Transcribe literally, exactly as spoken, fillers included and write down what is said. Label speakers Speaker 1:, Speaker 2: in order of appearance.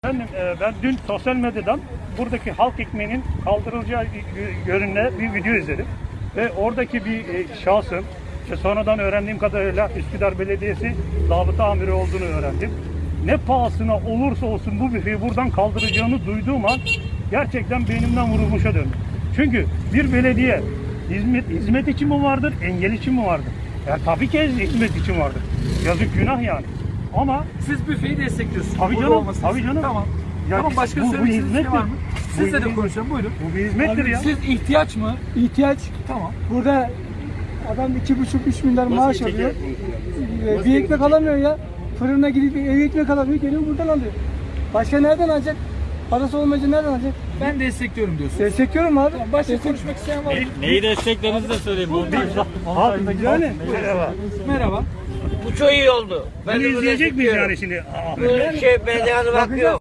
Speaker 1: Efendim, e, ben dün sosyal medyadan buradaki halk ekmeğinin kaldırılacağı yönünde bir video izledim. Ve oradaki bir e, şahsın, işte sonradan öğrendiğim kadarıyla Üsküdar Belediyesi zabıta amiri olduğunu öğrendim. Ne pahasına olursa olsun bu büfeyi buradan kaldıracağını duyduğum an gerçekten beynimden vurulmuşa döndüm. Çünkü bir belediye hizmet, hizmet için mi vardır, engel için mi vardır? Ya tabii ki hizmet için vardır. Yazık, günah yani. Ama
Speaker 2: siz büfeyi destekliyorsunuz.
Speaker 1: tabii
Speaker 2: Burada
Speaker 1: canım,
Speaker 2: olmasını
Speaker 1: tabii
Speaker 2: istiyorum.
Speaker 1: canım.
Speaker 2: Tamam.
Speaker 1: Ya
Speaker 2: tamam, başka
Speaker 1: bu- bu
Speaker 2: söylemek istediğiniz
Speaker 1: hizmettir.
Speaker 2: şey var mı?
Speaker 1: Bu
Speaker 2: Sizle de
Speaker 1: hizmet-
Speaker 2: konuşalım. Buyurun.
Speaker 1: bu bir hizmettir
Speaker 2: Abi,
Speaker 1: ya.
Speaker 2: Siz ihtiyaç mı?
Speaker 3: İhtiyaç.
Speaker 2: Tamam.
Speaker 3: Burada adam iki buçuk üç milyar maaş alıyor. Ee, Bir ekmek alamıyor ya. Fırına gidip ev ekmek alamıyor. Geliyor buradan alıyor. Başka nereden alacak? Parası olmayınca nereden alacak?
Speaker 2: Ben destekliyorum diyorsun.
Speaker 3: Destekliyorum abi.
Speaker 2: Tamam, başka
Speaker 3: Destek-
Speaker 2: konuşmak isteyen var mı?
Speaker 4: Neyi desteklerinizi de söyleyeyim.
Speaker 1: Halk, yani.
Speaker 2: Merhaba. Merhaba.
Speaker 5: Bu çok iyi oldu. Ben
Speaker 1: Bunu
Speaker 5: de bunu
Speaker 1: izleyecek miyiz
Speaker 5: destekliyorum.
Speaker 1: yani şimdi? Aa.
Speaker 5: Bu şey belediye hakkı yok.